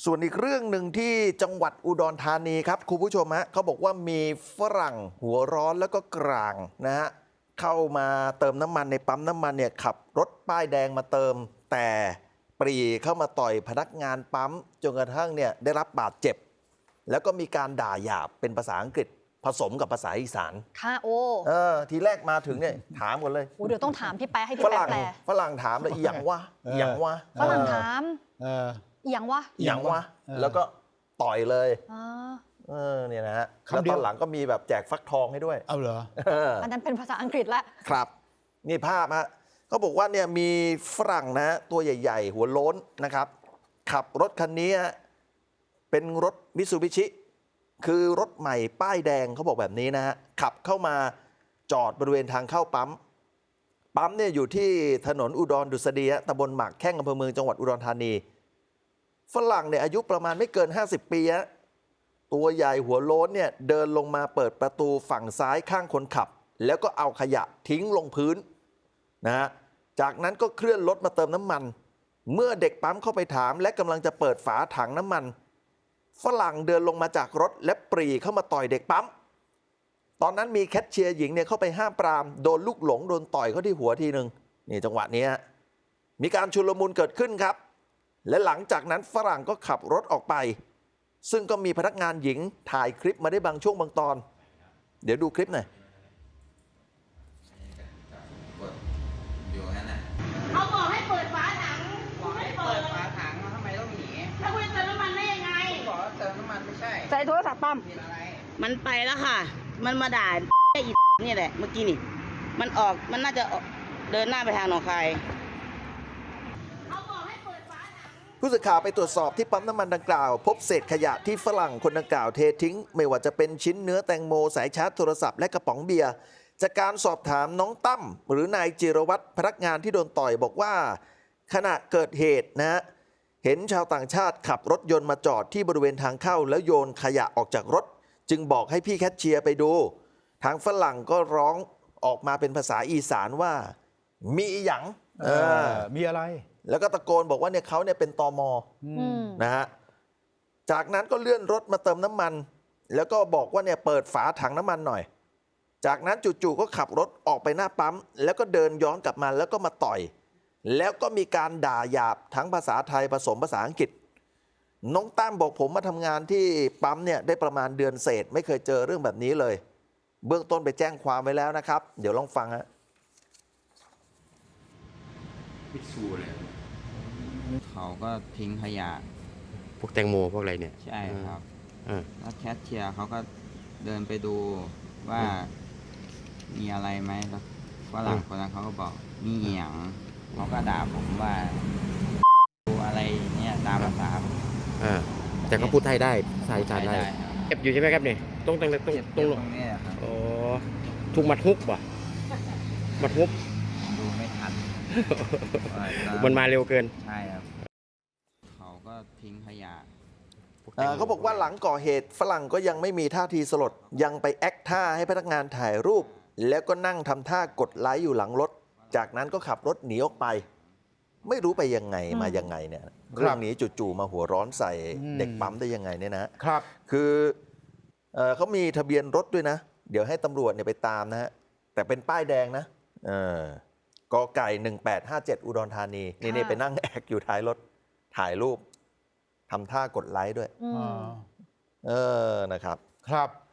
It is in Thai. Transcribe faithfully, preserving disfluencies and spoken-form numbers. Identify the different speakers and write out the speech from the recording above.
Speaker 1: ส่วนอีกเรื่องหนึ่งที่จังหวัดอุดรธานีครับคุณผู้ชมฮะเขาบอกว่ามีฝรั่งหัวร้อนแล้วก็กลางนะฮะเข้ามาเติมน้ำมันในปั๊มน้ำมันเนี่ยขับรถป้ายแดงมาเติมแต่ปรีเข้ามาต่อยพนักงานปั๊มจนกระทั่งเนี่ยได้รับบาดเจ็บแล้วก็มีการด่าหยาบเป็นภาษาอังกฤษผสมกับภาษาอีสาน
Speaker 2: ค่ะโอ้
Speaker 1: เออทีแรกมาถึงเนี่ยถามก่อนเลย
Speaker 2: โอ้เดี๋ยวต้องถามพี่แป๊ะให้พี่
Speaker 1: ฝ
Speaker 2: แป๊ะ
Speaker 1: รั่ง
Speaker 2: แปล
Speaker 1: ฝรั่งถามเลยอีหยังวะอีหยังวะ
Speaker 2: ฝรั่งถาม
Speaker 3: เออ
Speaker 2: อีหยังวะ
Speaker 1: อีหยังวะ
Speaker 3: เออ
Speaker 1: แล้วก็ต่อยเลย
Speaker 2: อ๋อ
Speaker 1: เออเนี่ยนะฮะ
Speaker 3: คำ
Speaker 1: แล้ว
Speaker 3: เดี
Speaker 1: ต
Speaker 3: ยว
Speaker 1: อนหลังก็มีแบบแจกฟักทองให้ด้วย
Speaker 3: เอาเหรอ
Speaker 1: เออ
Speaker 2: อันนั้นเป็นภาษาอังกฤษละ
Speaker 1: ครับ นี่ภาพฮะเขาบอกว่าเนี่ยมีฝรั่งนะตัวใหญ่ ๆ หัวโล้นนะครับ ขับรถคันนี้ฮะเป็นรถมิตซูบิชิ คือรถใหม่ป้ายแดงเขาบอกแบบนี้นะฮะขับเข้ามาจอดบริเวณทางเข้าปั๊ม ปั๊มเนี่ยอยู่ที่ถนนอุดรดุษฎีตำบลหมากแข้งอำเภอเมืองจังหวัดอุดรธานี ฝรั่งเนี่ยอายุประมาณไม่เกิน ห้าสิบ ปีฮะตัวใหญ่หัวโล้นเนี่ยเดินลงมาเปิดประตูฝั่งซ้ายข้างคนขับ แล้วก็เอาขยะทิ้งลงพื้นนะฮะจากนั้นก็เคลื่อนรถมาเติมน้ำมัน เมื่อเด็กปั๊มเข้าไปถามและกำลังจะเปิดฝาถังน้ำมันฝรั่งเดินลงมาจากรถและปรีเข้ามาต่อยเด็กปั๊มตอนนั้นมีแคชเชียร์หญิงเนี่ยเข้าไปห้ามปรามโดนลูกหลงโดนต่อยเขาที่หัวทีหนึ่งนี่จังหวะนี้มีการชุลมุนเกิดขึ้นครับและหลังจากนั้นฝรั่งก็ขับรถออกไปซึ่งก็มีพนักงานหญิงถ่ายคลิปมาได้บางช่วงบางตอนเดี๋ยวดูคลิปหน่อย
Speaker 4: เขาบอกให้เปิดฝาถัง
Speaker 5: บอกให้เปิดฝาถังแล้วทำไมต้องหนี
Speaker 4: แล้วคุณจะเติมน้ำมันได้ยังไง
Speaker 5: บอกว่าเติมน้ำมันไม่ใช่
Speaker 2: ใส่โทรศัพท์ปั๊ม
Speaker 5: ผิดอะไร
Speaker 6: มันไปแล้วค่ะ มันมาด่าไอ้นี่แหละ เมื่อกี้นี่ มันออก มันน่าจะออกเดินหน้าไปทางหนองคาย
Speaker 4: เขาบอกให้เปิดฝาถัง
Speaker 1: ผู้สื่อข่าวไปตรวจสอบที่ปั๊มน้ำมันดังกล่าว พบเศษขยะที่ฝรั่งคนดังกล่าวเททิ้ง ไม่ว่าจะเป็นชิ้นเนื้อแตงโมสายชาร์จโทรศัพท์และกระป๋องเบียร์จากการสอบถามน้องตั้มหรือนายจิรวัตรพนักงานที่โดนต่อยบอกว่า ขณะเกิดเหตุนะฮะเห็นชาวต่างชาติขับรถยนต์มาจอดที่บริเวณทางเข้าแล้วโยนขยะออกจากรถ จึงบอกให้พี่แคชเชียร์ไปดู ทางฝรั่งก็ร้องออกมาเป็นภาษาอีสานว่ามีอีหยัง
Speaker 3: เออ มีอะไร
Speaker 1: แล้วก็ตะโกนบอกว่าเนี่ยเขาเนี่ยเป็นตม
Speaker 2: อืม
Speaker 1: นะฮะ จากนั้นก็เลื่อนรถมาเติมน้ำมัน แล้วก็บอกว่าเนี่ยเปิดฝาถังน้ำมันหน่อย จากนั้นจู่ๆก็ขับรถออกไปหน้าปั๊ม แล้วก็เดินย้อนกลับมาแล้วก็มาต่อย แล้วก็มีการด่าหยาบทั้งภาษาไทยผสมภาษาอังกฤษ น้องตั้มบอกผมมาทำงานที่ปั๊มเนี่ยได้ประมาณเดือนเศษไม่เคยเจอเรื่องแบบนี้เลย เบื้องต้นไปแจ้งความไว้แล้วนะครับ เดี๋ยวลองฟังฮะ
Speaker 7: พิสูจน์เลย
Speaker 5: เขาก็ทิ้งขยะ
Speaker 7: พวกแตงโมพวกอะไรเนี่ย
Speaker 5: ใช่ครับ
Speaker 7: เออ
Speaker 5: แล้วแคชเชียร์เขาก็เดินไปดูว่ามีอะไรไหมแล้วฝรั่งคนนั้นเขาก็บอกมีเหียงเขาก็ด่าผมว่าดูอะไรอย่างเงี้ยตามภาษา
Speaker 7: เออแต่เขาพูดไทยได้ภาษาอีสานได้
Speaker 5: ครับ
Speaker 7: เจ็บอยู่ใช่ไหมครับเนี่ยตรงตรงตรง
Speaker 5: เจ็บ
Speaker 7: ตรง
Speaker 5: ตรงนี้ครับ
Speaker 7: อ๋อถูกมัดฮุบป่ะมัดฮุบ
Speaker 5: ดูไม่ทัน
Speaker 7: มันมาเร็วเกิน
Speaker 5: ใช่ครับเขาก็ทิ้งขยะ
Speaker 1: เอ่อเขาบอกว่าหลังก่อเหตุฝรั่งก็ยังไม่มีท่าทีสลด ยังไปแอคท่าให้พนักงานถ่ายรูป แล้วก็นั่งทำท่ากดไลค์อยู่หลังรถ จากนั้นก็ขับรถหนีออกไป ไม่รู้ไปยังไงมายังไงเนี่ยเรื่องนี้จู่ๆมาหัวร้อนใส่
Speaker 3: อืม
Speaker 1: เด็กปั๊มได้ยังไงเนี่ยนะ
Speaker 3: ครับ
Speaker 1: คือเอ่อเขามีทะเบียนรถด้วยนะ เดี๋ยวให้ตำรวจเนี่ยไปตามนะฮะแต่เป็นป้ายแดงนะเออกอไก่หนึ่งแปดห้าเจ็ดอุดรธานีนี่นี่ไปนั่งแอกอยู่ท้ายรถถ่ายรูปทำท่ากดไลค์ด้วย
Speaker 2: อืม
Speaker 3: อ่า
Speaker 1: เออนะครับ
Speaker 3: ครับ